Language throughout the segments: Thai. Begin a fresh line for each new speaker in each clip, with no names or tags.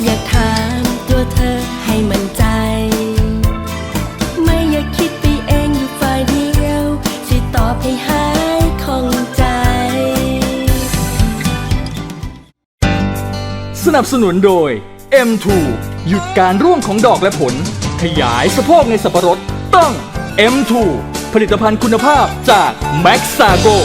อยากถามตัวเธอให้มั่นใจไม่อยากคิดไปเองอยู่ฝ่ายเดียวสิตอบให้หายข้องใจ
สนับสนุนโดย M2 หยุดการร่วงของดอกและผลขยายสะโพกในสับปะรดต้อง M2 ผลิตภัณฑ์คุณภาพจาก Maxago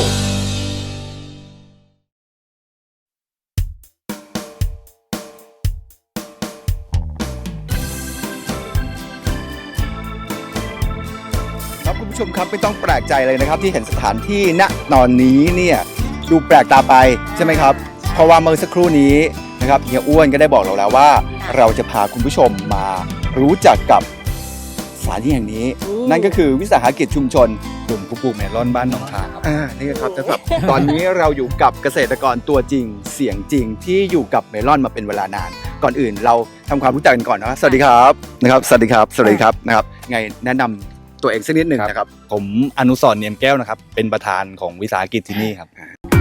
ครับคุณผู้ชมครับไม่ต้องแปลกใจเลยนะครับที่เห็นสถานที่ณตอนนี้เนี่ยดูแปลกตาไปใช่ไหมครับเพราะว่าเมื่อสักครู่นี้นะครับเฮียอ้วนก็ได้บอกเราแล้วว่าเราจะพาคุณผู้ชมมารู้จักกับสถานที่แห่งนี้นั่นก็คือวิสาหกิจชุมชนกลุ่มผู้ปลูกเมลอนบ้านหนองคายครับนี่ครับนะครับตอนนี้เราอยู่กับเกษตรกรตัวจริงเสียงจริงที่อยู่กับเมลอนมาเป็นเวลานานก่อนอื่นเราทำความรู้จักกันก่อนนะสวัสดีครับนะครับสวัสดีครับสวัสดีครับนะครับไงแนะนำตัวเองสักนิดหนึ่งนะครับ
ผมอนุสรณ์เนียมแก้วนะครับเป็นประธานของวิสาหกิจที่นี่ครับ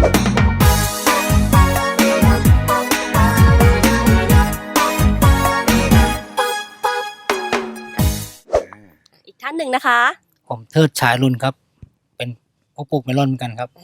อีกท่านหนึ่งนะคะ
ผมเทิดชายรุ่นครับ เป็นผู้ปลูกเมลอนเหมือนกันครับ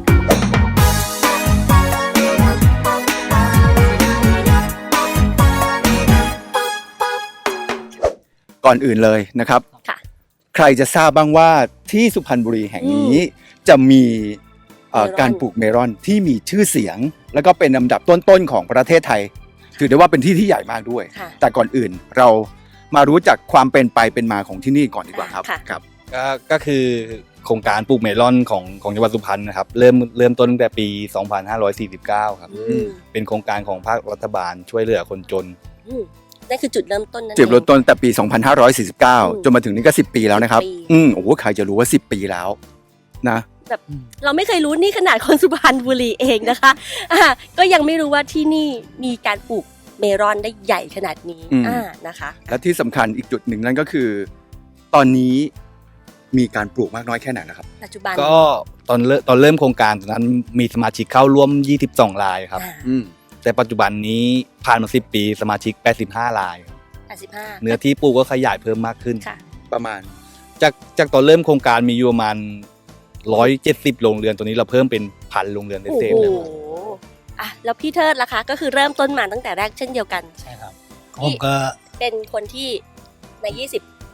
ก่อนอื่นเลยนะครับ
ค่ะ
ใครจะทราบบ้างว่าที่สุพรรณบุรีแห่งนี้จะมีการปลูกเมลอนที่มีชื่อเสียง แล้วก็เป็นลำดับต้นๆของประเทศไทย ถือได้ว่าเป็นที่ที่ใหญ่มากด้วย
ค่ะ
แต่ก่อนอื่นเรามารู้จักความเป็นไปเป็นมาของที่นี่ก่อนดีกว่าครับ
ค่ะ
ครับ
ก็คือโครงการปลูกเมลอนของจังหวัดสุพรรณนะครับเริ่มต้นตั้งแต่ปี 2549 ครับ
อืม
เป็นโครงการของภาครัฐบาลช่วยเหลือคนจน
นั่นคือจุดเริ่มต้นนั่น
จุดเริ่มต้นแต่ปี
ม
2549 จนมาถึงนี่ก็ 10 ปีแล้วนะครับ
ปี
โอ้โหใครจะรู้ว่า 10 ปีแล้วนะ
แบบเราไม่เคยรู้นี่ขนาดคนสุพรรณบุรีเองนะคะก็ยังไม่รู้ว่าที่นี่มีการปลูกเมลอนได้ใหญ่ขนาดนี้นะคะ
และที่สำคัญอีกจุดหนึ่งนั่นก็คือ ตอนนี้มีการปลูกมากน้อยแค่ไหนนะครับ
ปัจจุบัน
ก็ตอนเริ่มโครงการตอนนั้นมีสมาชิกเข้าร่วม 22 รายครับ แต่ปัจจุบันนี้ผ่านมา 10 ปีสมาชิก 85 รายครับ
85
เนื้อที่ปลูกก็ขยายเพิ่มมากขึ้น
ค่ะ
ประมาณ
จากตอนเริ่มโครงการมีอยู่ประมาณ 170 โรงเรือนตัวนี้เราเพิ่มเป็นพันโรงเรือน
โอ้
เศษ
โห
ๆเลย
แล้วพี่เทิดล่ะคะ ก็คือเริ่มต้นมาตั้งแต่แรกเช่นเดียวกัน
ใช่ครับผมก็
เป็นคนที่ใน 20
ใน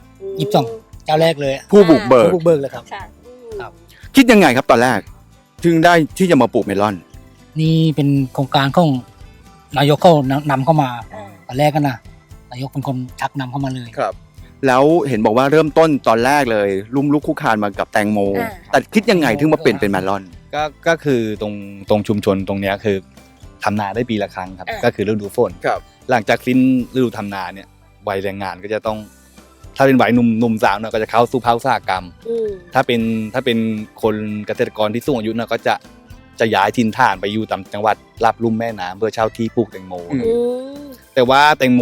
22 เจ้าแรกเลย
ผู้บุกเบิก
ผู้บุกเบิกเลยครับ
ค่ะ
ครับ
คิดยังไงครับตอนแรก ถึงได้ที่จะมาปลูกเมลอน
นี่เป็นโครงการของนายกเขานำเข้ามา
อ่า
ตอนแรกกันนะนายกเป็นคนชักนำเข้ามาเลย
ครับ แล้วเห็นบอกว่าเริ่มต้นตอนแรกเลยลุ่มลุกคุกคานมากับแตงโม แต่คิดยังไงถึงมาเปลี่ยนเป็นเมลอน
ก็คือตรงชุมชนตรงเนี้ยคือทำนาได้ปีละครั้งครับ ก็คือฤดูฝน
ครับ
หลังจากสิ้นฤดูทำนาเนี่ยวัยแรงงานก็จะต้อง ถ้าเป็นวัยหนุ่มสาวเนี่ยก็จะเข้าสู่ภาคอุตสาหกรรม ถ้าเป็นคนเกษตรกรที่สูงอายุเนี่ยก็จะย้ายถิ่นฐานไปอยู่ตามจังหวัดรับลุ่มแม่น้ำเพื่อเช่าที่ปลูกแตงโม แต่ว่าแตงโม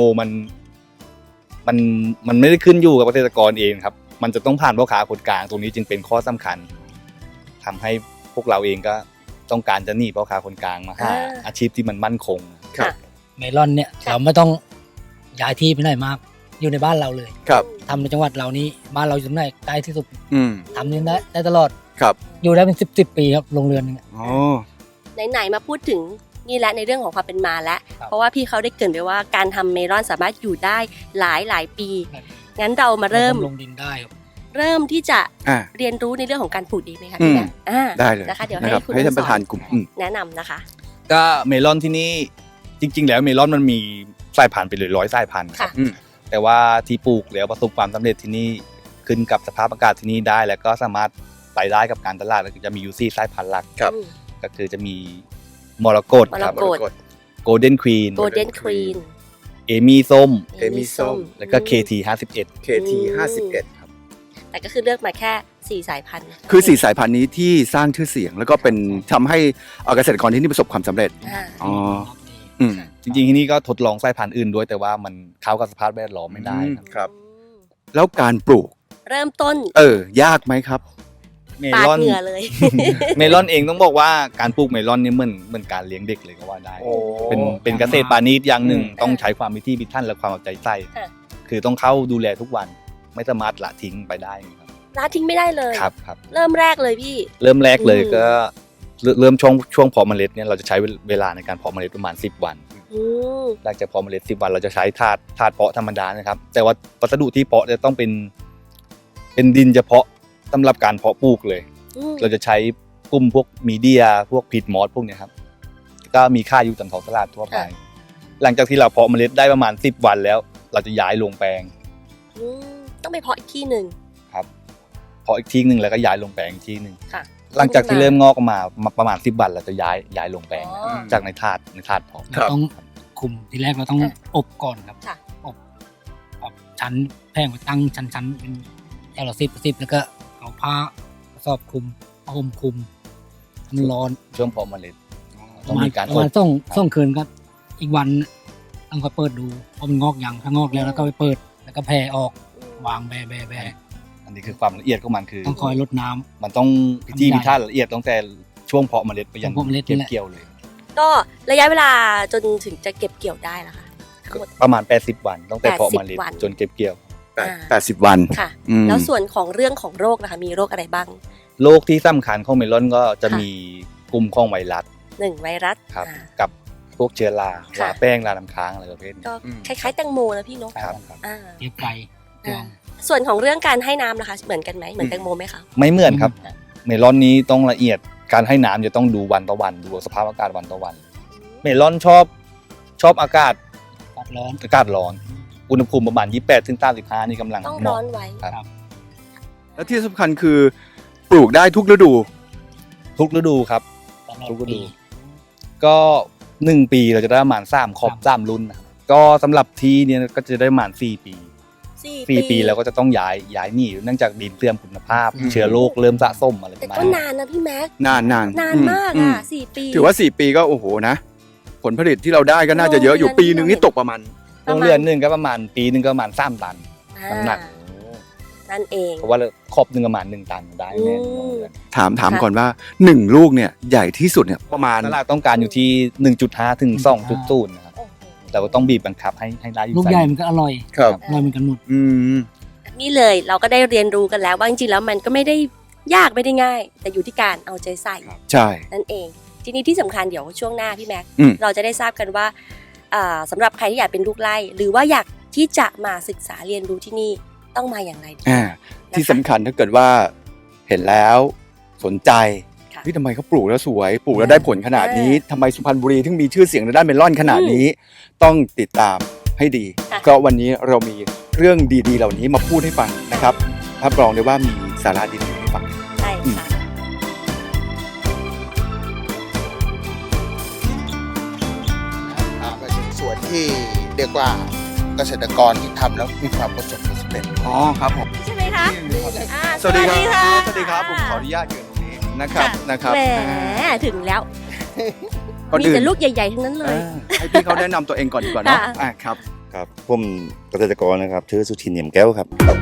มันไม่ได้ขึ้นอยู่กับเกษตรกรเองครับ มันจะต้องผ่านพ่อค้าคนกลางตรงนี้จึงเป็นข้อสำคัญทำให้พวกเราเองก็ต้องการจะหนีพ่อค้าคนกลางมาหาอาชีพที่มันมั่นคง
ครับ
เมลอนเนี่ยเราไม่ต้องย้ายที่ไปไหนมาก อยู่ในบ้านเราเลย
ครับ
ทำในจังหวัดเรานี้บ้านเราอยู่ตรงไหนใกล้ที่สุด
อืม
ทำนี่ได้ตลอด
ครับ
อยู่ได้เป็น10 ปีครับโรงเรือนนึง
อ๋อ
ไหนๆมาพูดถึงนี่แหละในเรื่องของความเป็นมาแล้ว
ครับ
เพราะว่าพี่เขาได้เกริ่นไปว่าการทำเมลอนสามารถอยู่ได้หลายปี งั้นเรามาเริ่ม
ลงดินได้ครับ
เริ่มที่จะ
อ่า
เรียนรู้ในเรื่องของการปลูกดีไหมคะ
อื
พี่
ม
แบงค์
ได้เลย
นะคะเดี๋ยว
นะครับ
ให้คุณ
ให้ท่านประธานกลุ่ม
แนะนำนะคะ
ก็เมลอนที่นี่จริง ๆ แล้วเมลอนมันมีสายพันธุ์ไปเลย100 สายพันธุ์ครับ
ค่ะ
อืม
แต่ว่าที่ปลูกแล้วประสบความสำเร็จที่นี่ขึ้นกับสภาพอากาศที่นี่ได้ แล้วก็สามารถไปได้กับการตลาดแล้วก็จะมีอยู่4 สายพันธุ์หลัก
ครับ
ก็คือจะมีมรกตครับ
มรกต
โกลเด้นควีน
โกลเด้นควีน
เอมี่ส้ม
เอมี่ส้ม
แล้วก็ KT 51
KT 51ครับ
แต่ก็คือเลือกมาแค่4 สายพันธุ์
คือ4 สายพันธุ์นี้ที่สร้างชื่อเสียง แล้วก็เป็นทำให้เกษตรกรที่นี่ประสบความสำเร็จ
อ่า
อ๋อ อืม
จริงๆที่นี่ก็ทดลองสายพันธุ์อื่นด้วยแต่ว่ามันเข้ากับสภาพแวดล้อมไม่ได้ครับ
ครับ แล้วการปลูก
เริ่มต้น
ยากไหมครับ
เม
ปาด
ลอน
เหงื่อเลย
เมลอนเองต้องบอกว่าการปลูกเมลอนนี่เหมือนการเลี้ยงเด็กเลยก็ว่าได้
โอ้
เป็นเกษตรปาณีตอย่างหนึ่ง
อืม
ต้องใช้ความพิถีพิถันและความเอาใจใส่
ค่ะ
คือต้องเข้าดูแลทุกวันไม่สามารถละทิ้งไปได้ครับ
ละทิ้งไม่ได้เลย
ครับ
เริ่มแรกเลยพี่
เริ่มแรกเลย
อืม
ก็เริ่มช่วงเพาะเมล็ดเนี่ยเราจะใช้เวลาในการเพาะเมล็ดประมาณ10 วัน
อืม
หลังจากเพาะเมล็ด10 วันเราจะใช้ถาดเพาะธรรมดานะครับแต่ว่าวัสดุที่เพาะจะต้องเป็นดินเฉพาะสำหรับการเพาะปลูกเลย
อืม
เราจะใช้กลุ่มพวกมีเดียพวกพีทมอสพวกเนี้ยครับก็มีค่าอยู่ตามท้องตลาดทั่วไป หลังจากที่เราเพาะเมล็ดได้ประมาณ10 วันแล้ว เราจะย้ายลงแปลง
อืมต้องไปเพาะอีกที่หนึ่ง
ครับเพาะอีกทีหนึ่งแล้วก็ย้ายลงแปลงอีกทีหนึ่ง
ค่ะ
หลังจากที่เริ่มงอกออกมาประมาณ10 วันเราจะย้ายลงแปลง
อ๋อ
จากในถาดเพาะ
ครับ
เราต้องคุมทีแรกเราต้องอบก่อนครับ
ค่ะ
อบชั้นแพงไปตั้งชั้นเป็นแถวละ10แล้วก็เอาผ้ากระสอบคลุมผ้าห่มคลุมให้มันร้อน
ช่วงเพาะเมล็ด
ป
ต้อ
ระ
ง
มาณ
มีการ
ประมาณ
อบ
ส่งคืนก็อีกวันต้องคอยเปิดดูเพราะมันงอกยังถ้างอกแล้วก็ไปเปิดแล้วก็แผ่ออกวางแบ
อันนี้คือความละเอียดของมันคือ
ต้องคอยลดน้ำ
มันต้องพิธีพิถันละเอียดตั้งแต่ช่วงเพาะเมล็ดไปยัน
ช่วงเพาะเมล็ดนี่
เก็บ
แหละ
เกี่ยวเลย
ก็ระยะเวลาจนถึงจะเก็บเกี่ยวได้ล่ะคะทั้งหมด
ประมาณ80 วันตั้งแต่เพาะเมล็ด
80 วัน
จนเก็บเกี่ยว
80 วัน
ค่ะ
อืม
แล้วส่วนของเรื่องของโรคนะคะมีโรคอะไรบ้าง
โรคที่สำคัญของเมลอนก็จะ
ค่ะ
มีกลุ่มของไวรัส
1 ไวรัส
ครับ
อ่า
กับพวกเชื้อรา
ค่ะ
ราแป้งราน้ำค้างอะไรประเภทนี้
ก็
อืม
คล้ายๆแตงโมนะพี่เนก
ครับ
อ่า
เก็บไปตวง
ส่วนของเรื่องการให้น้ำนะคะ เหมือนกันไหมเหมือนแตงโมไหมคะ
ไม่เหมือนครับ
อืม
เมลอนนี้ต้องละเอียดการให้น้ำจะต้องดูวันต่อวันดูสภาพอากาศวันต่อวัน เมลอนชอบอากาศ
ตัดร้อน
อากาศร้อน อุณหภูมิประมาณ28ถึง35นี่กำลัง
ต้อง
เห
ร้
มาะ
อนไว้
ครับ
และที่สำคัญคือปลูกได้ทุกฤดู
ทุกฤดูครับ
ตลอด
ทุกฤ
ปี
ดู ก็1 ปีเราจะได้ประมาณ3 3 รุ่นนะครับก็สำหรับที่เนี่ยก็จะได้ประมาณ4 ปี 4 ปีแล้วก็จะต้องย้ายหนีเนื่องจากดินเสื่อมคุณภาพ เชื้อโรคเริ่มสะสมอะไรป
แต่
ระมาณ
ก็
นี้
นานนะพี่แม็ก
นาน
นานมาก
อื
อ่ะ4 ปี
ถือว่า 4 ปีก็โอ้โหนะ ผลผลิตที่เราได้ก็น่าจะเยอะอยู่
โรงเรือน
ปีหนึ่งนี่ตกประมาณ
โรงเรือนหนึ่งก็ประมาณปีหนึ่งก็ประมาณ3 ตัน
อ่า
น้ำหนัก
นั่นเอง
เพราะว่าครอบหนึ่งประมาณ1 ตันได้แน่
อืม
โรงเรือน
ถาม
ค่ะ
ก่อนว่า 1 ลูกเนี่ยใหญ่ที่สุดเนี่ยประมาณ
ตลาดต้องการอยู่ที่ 1.5 ถึง 2.0 นะครับ
โอ้โห
เราก็ต้องบีบบังคับให้ได้อยู่
ลูก
ไซส์
ใหญ่มันก็อร่อย
ครับ
อร่อยเหมือนกันหมด
อืม
นี่เลยเราก็ได้เรียนรู้กันแล้วว่าจริงๆแล้วมันก็ไม่ได้ยากไม่ได้ง่าย แต่อยู่ที่การเอาใจใส่
ใช่
นั่นเอง ทีนี้ที่สำคัญเดี๋ยวช่วงหน้าพี่แม็ก
อืม
เราจะได้ทราบกันว่าสำหรับใครที่อยากเป็นลูกไร่ หรือว่าอยากที่จะมาศึกษาเรียนรู้ที่นี่ต้องมาอย่างไรดี
ที่สำคัญถ้าเกิดว่าเห็นแล้วสนใจ
ค่ะ
ทำไมเขาปลูกแล้วสวยปลูกแล้วได้ผลขนาดนี้ทำไมสุพรรณบุรีถึงมีชื่อเสียงในด้านเมลอนขนาดนี้ ต้องติดตามให้ดี
ค่ะ
ก็วันนี้เรามีเรื่องดีๆ เหล่านี้มาพูดให้ฟังนะครับรับรองได้ว่ามีสาระดีๆให้ฟัง
ใช่ค่ะ
ก็เป็นส่วนที่เรียกว่าเกษตรกรที่ทำแล้วมีความประสบความสำเร็จ
อ๋อครับผม
ใช่ไหมคะอ่า
สวัสดีครับ
ะ
สวัสดีครับผมขออนุญาตยืนตรงนี้นะครับนะครับ
แหมถึงแล้ว
ก่อน
มี
อื่น
แต่ลูกใหญ่ๆทั้งนั้นเลย
ให้พี่เขาแนะนำตัวเองก่อนดีกว่าเนาะ
ค่ะ
ครับ
ครับผมเกษตรกรนะครับชื่อสุชินเนียมแก้วครับ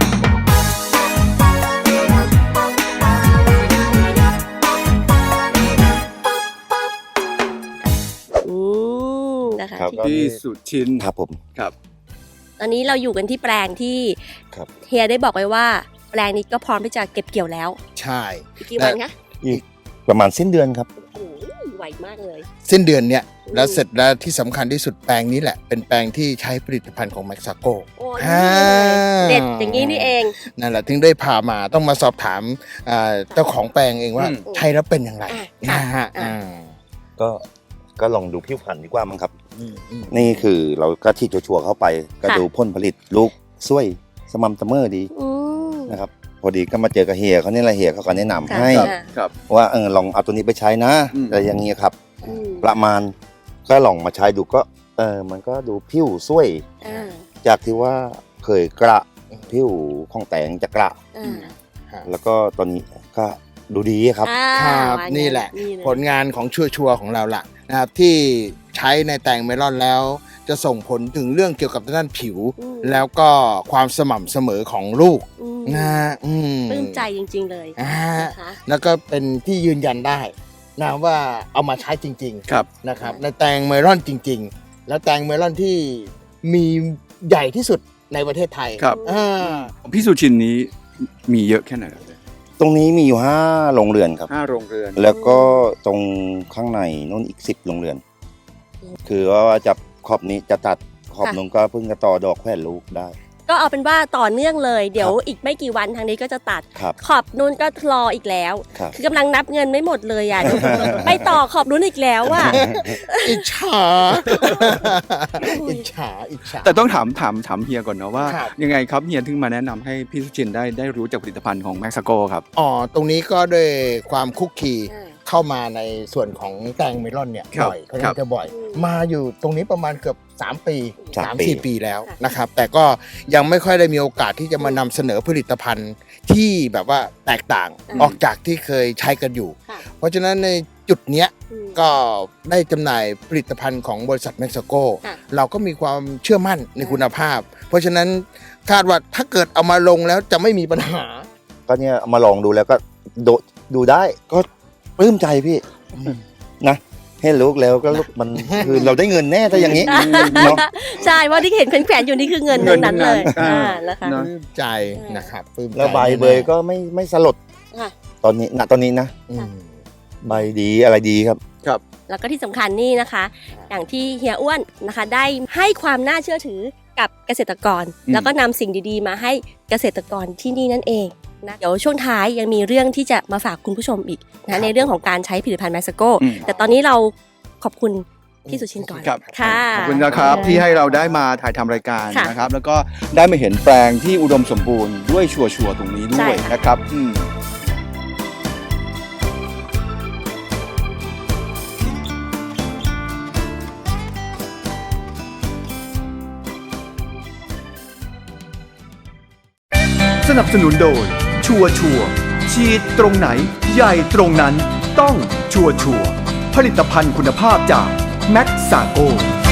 อืมนะคะ
ครับ
ที่
พี่สุชิน
ครับผม
ครับ
ตอนนี้เราอยู่กันที่แปลงที่
ครับ
เฮียได้บอกไว้ว่า แปลงนี้ก็พร้อมที่จะเก็บเกี่ยวแล้ว
ใช่
อีกกี่วันคะ
อีกประมาณสิ้นเดือนครับ
โอ้โหไวมากเลย
สิ้นเดือนเนี้ย
อืม
แล้วเสร็จแล้วที่สำคัญที่สุดแปลงนี้แหละ เป็นแปลงที่ใช้ผลิตภัณฑ์ของแม็กซาโก
โอ้
อ่า
เด็ดอย่างนี้นี่เอง
นั่นแหละถึงได้พามาต้องมาสอบถามเจ้าของแปลงเองว่า
อืม
ใช้แล้วเป็นอย่างไร
อ่ะ
นะฮะ
อ่ะ
ก็ลองดูผิวพรรณดีกว่ามั้งครับ
อืมอืม
นี่คือเราก็ฉีดชัวร์ๆเข้าไป ก็ดูผลผลิตลูกสวยสม่ำเสมอดี
อืม
นะครับ พอดีก็มาเจอกับเฮียเขาเนี่ยแหละเฮียเขาก็แนะนำ
ค่ะ
ให้
ค่ะ
ครับ
ว่าลองเอาตัวนี้ไปใช้นะ
อืม
อะไรอย่างเงี้ยครับ
อืม
ประมาณก็ลองมาใช้ดูก็มันก็ดูผิวสวย
อ่า
จากที่ว่าเคยกระผิวของแตงจะกระ
อ่า
แล้วก็ตอนนี้ก็ดูดีครับ
อ่า
ครับ
ว่า
นี่แหละ
นี่เลย
ผลงานของชัวร์ๆของเราล่ะนะครับที่ใช้ในแตงเมลอนแล้ว จะส่งผลถึงเรื่องเกี่ยวกับด้านผิว
อืม
แล้วก็ความสม่ำเสมอของลูก
อืม
นะอืม
ปลื้มใจจริง ๆ เลย
อ่า
นะคะ
แล้วก็เป็นที่ยืนยันได้นะว่าเอามาใช้จริง
ครับ
ๆนะครับในแตงเมลอนจริง ๆ แล้วแตงเมลอนที่มีใหญ่ที่สุดในประเทศไทย
ครับ
อ่า
พี่สุชินนี้มีเยอะแค่ไหนครับ
ตรงนี้มีอยู่5โรงเรือนครับ
5 โรงเรือน
แล้วก็ตรงข้างในนู่นอีก10โรงเรือน คือว่าจะขอบนี้จะตัดขอบนู้นก็เพิ่งจะต่อดอกแขวนลูกได้
ก็เอาเป็นว่าต่อเนื่องเลย เดี๋ยวอีกไม่กี่วันทางนี้ก็จะตัด
ครับ
ขอบนู้นก็รออีกแล้ว
ครับ
คือกำลังนับเงินไม่หมดเลยอ่ะ ไปต่อขอบนู้นอีกแล้วอ่ะ
อิจฉา อิจฉา อิจฉา
แต่ต้องถามเฮียก่อนเนาะว่า
ครับ
ยังไงครับเฮียถึงมาแนะนำให้พี่สุชินได้รู้จักผลิตภัณฑ์ของแม็กซาโกครับ
อ๋อ ตรงนี้ก็ด้วยความคุกคี
อ่า
เข้ามาในส่วนของแตงเมลอนเนี่ย
ครับ
บ่อยเขา
ครับ
จะบ่อย
อืม
มาอยู่ตรงนี้ประมาณเกือบ3 ปี
3 ปี
3-4 ปีแล้ว
ค่ะ
นะครับ แต่ก็ยังไม่ค่อยได้มีโอกาสที่จะมานำเสนอผลิตภัณฑ์ที่แบบว่าแตกต่าง
อืม
ออกจากที่เคยใช้กันอยู่
ค่ะ
เพราะฉะนั้นในจุดเนี้ย
อืม
ก็ได้จำหน่ายผลิตภัณฑ์ของบริษัทเม็กซิโก
ค่ะ
เราก็มีความเชื่อมั่นในคุณภาพ เพราะฉะนั้นคาดว่าถ้าเกิดเอามาลงแล้วจะไม่มีปัญหา
ก็เนี่ยเอามาลองดูแล้วก็ดูได้ก็ปลื้มใจพี่นะให้ลูกแล้วก็ลูกมัน คือเราได้เงินแน่ถ้าอย่างนี้เนาะ
ใช่ว่าที่เห็นแขวนๆอยู่นี่คือเงิน
เงิ
ทั้
น
งนั้นเลย
ทั้งนั้น
นะคะ
เนอะ
ปลื้มใจนะครับปลื้มใจ
แล้วใบเบยก็ไม่สลด
ค่ะ
ตอนนี้นะ
อืม
ใบดีอะไรดีครับ
แล้วก็ที่สำคัญนี่นะคะ อย่างที่เฮียอ้วนนะคะ ได้ให้ความน่าเชื่อถือกับเกษตรกร
อืม
แล้วก็นำสิ่งดีๆ มาให้เกษตรกรที่นี่นั่นเองนะเดี๋ยวช่วงท้ายยังมีเรื่องที่จะมาฝากคุณผู้ชมอีกนะในเรื่องของการใช้ผลิตภัณฑ์แมสโก
อืม
แต่ตอนนี้เราขอบคุณพี่สุชินก่อน
ครับ
ค่ะ
ขอบคุณนะครับที่ให้เราได้มาถ่ายทำรายการ
ค่ะ
นะครับ แล้วก็ได้มาเห็นแปลงที่อุดมสมบูรณ์ด้วยชัวร์ๆตรงนี้ด้
ใช่
วย
ค่ะ
นะครับสนับสนุนโดยชัวร์ฉีดตรงไหนใหญ่ตรงนั้นต้องชัวร์ผลิตภัณฑ์คุณภาพจากแม็กซาโก